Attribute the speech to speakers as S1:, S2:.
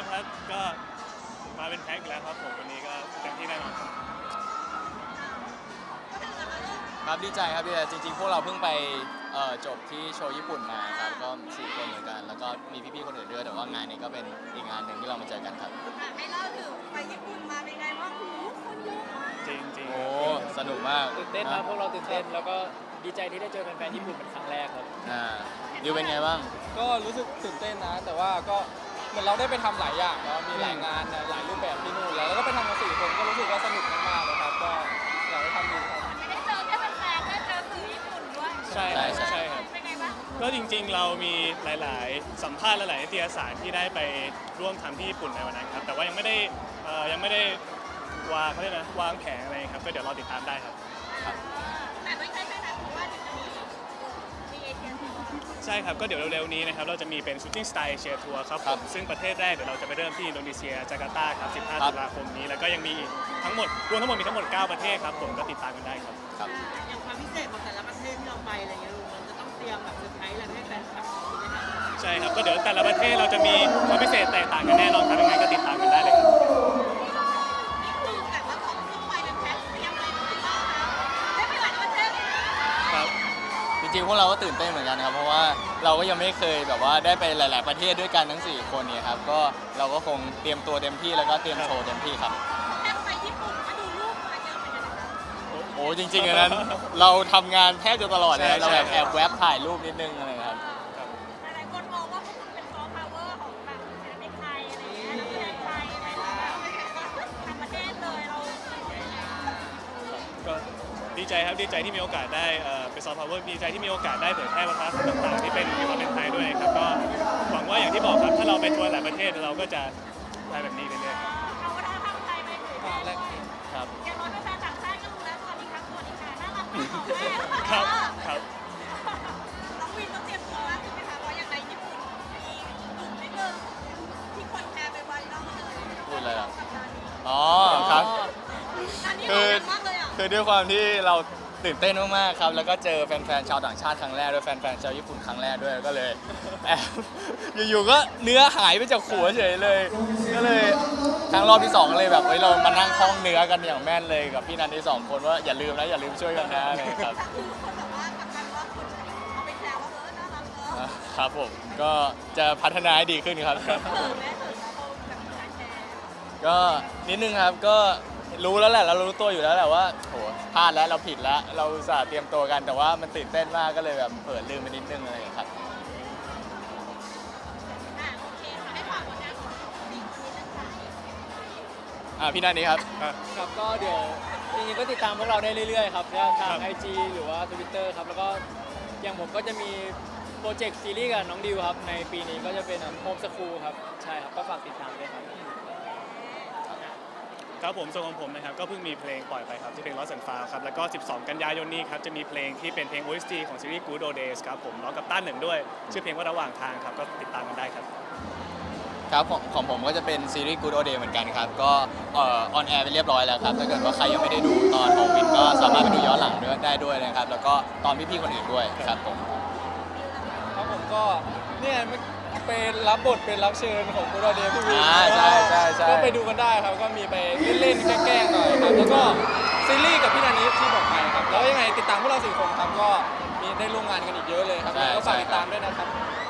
S1: ครับก็มาเป็นแพ็คแล้วครับผมวันนี้ก็เต็มที่แน่นอนครับ
S2: ครับดีใจครับดีใจจริงๆพวกเราเพิ่งไปจบที่โชว์ญี่ปุ่นมาครับก็4 คนเหมือนกันแล้วก็มีพี่ๆคนอื่นด้วยแต่ว่างานนี้ก็เป็นอีกงานหนึ่งที่เรามาเจอกันครับ
S3: ให้เล่าถึงไปญี่ปุ่นมาเป็นไงบ้างหูคนเยอะมาก
S1: จริงจริง
S2: โอ้สนุกมาก
S4: ตื่นเต้นครับพวกเราตื่นเต้นแล้วก็ดีใจที่ได้เจอแฟนๆญี่ปุ่นเป็นครั้งแรกครับ
S2: ดิวเป็นไงบ้าง
S5: ก็รู้สึกตื่นเต้นนะแต่ว่าก็เหมือนเราได้ไปทำหลายอย่างแล้วมีหลายงานหลายรูปแบบที่นู่นแล้วก็ไปทำกัน4 คนก็รู้สึกว่าสนุกมากๆเลยครับก็อยากให้ทำดีครับ
S3: ไม่ได้เจอแค่แฟนๆได้เจอสื่อญี่ปุ่นด้วย
S1: ใช่ครับ
S3: เป็นไงบ้าง
S1: ก็จริงๆเรามีหลายๆสัมภาษณ์หลายๆนิตยสารที่ได้ไปร่วมทำที่ญี่ปุ่นในวันนั้นครับแต่ว่ายังไม่ได้วางเขาเรียกนะวางแผนอะไรครับก็เดี๋ยวรอติดตามได้ครับ
S3: แต่ไม่ใช่แค่นั้นเพราะว่าถึงจะมีเอเชียทัวร์
S1: ใช่ครับก็เดี๋ยวเร็วๆนี้นะครับเราจะมีเป็นชูตติ้งสไตล์เอเชียทัวร์ครับผมซึ่งประเทศแรกเดี๋ยวเราจะไปเริ่มที่อินโดนีเซียจาการ์ตาครับ15 ตุลาคมนี้แล้วก็ยังมีทั้งหมดรวมทั้งหมดมีทั้งหมด9 ประเทศครับผมก็ติดตามกันได้ครับ
S6: อย่างความพิเศษของแต่ละประเทศที่เราไปอะไรเงี้ยลุงมันจะต้องเตรียมแบบเซอร์ไพรส์อะไรให้แฟนคลับมีไหมคะ
S1: ใช่ครับก็เดี๋ยวแต่ละประเทศเราจะมีความพิเศษแตกต่างกันแน่นอนครับยังไงก็ติดตามกันได้เลยครับ
S3: คือแบบว่าของทั่วไปเป็นแพ็คเตรียมอะไรมาบ้างคะได้ไปหลายประเทศเลยนะครับ
S2: จริงๆพวกเราก็ตื่นเต้นเหมือนกันครับเพราะว่าเราก็ยังไม่เคยแบบว่าได้ไปหลายๆประเทศด้วยกันทั้ง4 คนเนี่ยครับก็เราก็คงเตรียมตัวเต็มที่แล้วก็เตรียมโชว์เต็มที่ครับ
S3: แค่ไปญี่ปุ่นมาดูรูปมาเยอะเหมือนกันนะคะ
S2: โอ้จริงๆอันนั้นเราทำงานแทบจะตลอดเลยเราแอบแวบถ่ายรูปนิดนึงอะไรครับ
S3: หลายคนมองว่าพวกคุณเป็นซอฟต์พาวเวอร์ของแบบศิลปินไทยอะไรอย่างเงี้ยนักแสดงไทยอะไรอย่างเงี้ยทางประเทศเลยเรา
S1: ก็ดีใจครับดีใจที่มีโอกาสได้เป็นซอฟต์พาวเวอร์ดีใจที่มีโอกาสได้เผยแพร่วัฒนธรรมต่างๆที่เป็นความเป็นไทยด้วยครับก็หวังว่าอย่างที่บอกครับถ้าเราไปทัวร์หลายประเทศเราก็จะได้แบบนี้เรื่อย
S3: ๆเอาวัฒนธรรมไทยไปเผยแพร่ด้วย
S2: ครับ
S3: อย่างน้อยแฟนต่างชาติก็รู้แล้วสวัสดีครับสวัสดีค่ะน่ารักมากของแม่
S1: ครับครับ
S3: น้องวินต้องเตรียมตัวใช่ไหมคะเพราะอย่างในญี่ปุ่นมีกลุ่มนิดนึงที่คนแชร์ไปไวรัลเลย
S2: พูดอะไรอ่ะอ๋อครับคือด้วยความที่เราตื่นเต้นมากๆครับแล้วก็เจอแฟนๆชาวต่างชาติครั้งแรกด้วยแฟนๆชาวญี่ปุ่นครั้งแรกด้วยก็เลยแอบอยู่ๆก็เนื้อหายไปจากหัวเฉยเลยก็เลยครั้งรอบที่2เลยแบบเรามานั่งท่องเนื้อกันอย่างแม่นเลยกับพี่นันที่2 คนว่าอย่าลืมนะอย่าลืมช่วยกันนะเลยครับ
S3: คนแบบว่ากลับกันว่าคนเอาไปแซวว่าน่ารักเนอะ
S2: ครับผมก็จะพัฒนาให้ดีขึ้นครับก็นิดนึงครับก็รู้แล้วแหละเรารู้ตัวอยู่แล้วแหละว่าโหพลาดแล้วเราผิดแล้วเราอุตส่าห์เตรียมตัวกันแต่ว่ามันตื่นเต้นมากก็เลยแบบเผลอลืมไปนิดนึงอะไรอย่างเงี้ยครับ
S3: โอเคค่ะให้ฝากผลงานของ4 คนนี้เลยค่ะ
S2: พี่นันนี้ครับ
S4: ครับก็เดี๋ยวจริงๆก็ติดตามพวกเราได้เรื่อยๆครับทาง IG หรือว่า Twitter ครับแล้วก็อย่างผมก็จะมีโปรเจกต์ซีรีส์กับน้องดิวครับในปีนี้ก็จะเป็นโฮมสคูลครับใช่ครับก็ฝากติดตามด้วยครับ
S1: ครับผมส่วนของผมนะครับก็เพิ่งมีเพลงปล่อยไปครับที่เพลง Lost and Found ครับแล้วก็12 กันยายนนี้ครับจะมีเพลงที่เป็นเพลง OST ของซีรีส์ Good Old Days ครับผมร้องกับต้านหนึ่งด้วยชื่อเพลงว่าระหว่างทางครับก็ติดตามกันได้ครับ
S2: ครับของผมก็จะเป็นซีรีส์ Good Old Days เหมือนกันครับก็ออนแอร์ไปเรียบร้อยแล้วครับถ้าเกิดว่าใครยังไม่ได้ดูตอนของวินก็สามารถไปดูย้อนหลังได้ด้วยนะครับแล้วก็ตอนพี่ๆคนอื่นด้วยครับผม
S5: ครับผมก็เนี่ยเป็นรับบทเป็นรับเชิญของกูดอเดย์พี่วิน
S2: ใช่
S5: ก็ไปดูกันได้ครับก็มีไปเล่นๆแกล้งๆหน่อยครับแล้วก็ซีรีส์กับพี่นันนี้ที่บอกไปครับแล้วยังไงติดตามพวกเรา4 คนครับก็มีได้ร่วมงานกันอีกเยอะเลยครับก็ฝากติดตามด้วยนะครับ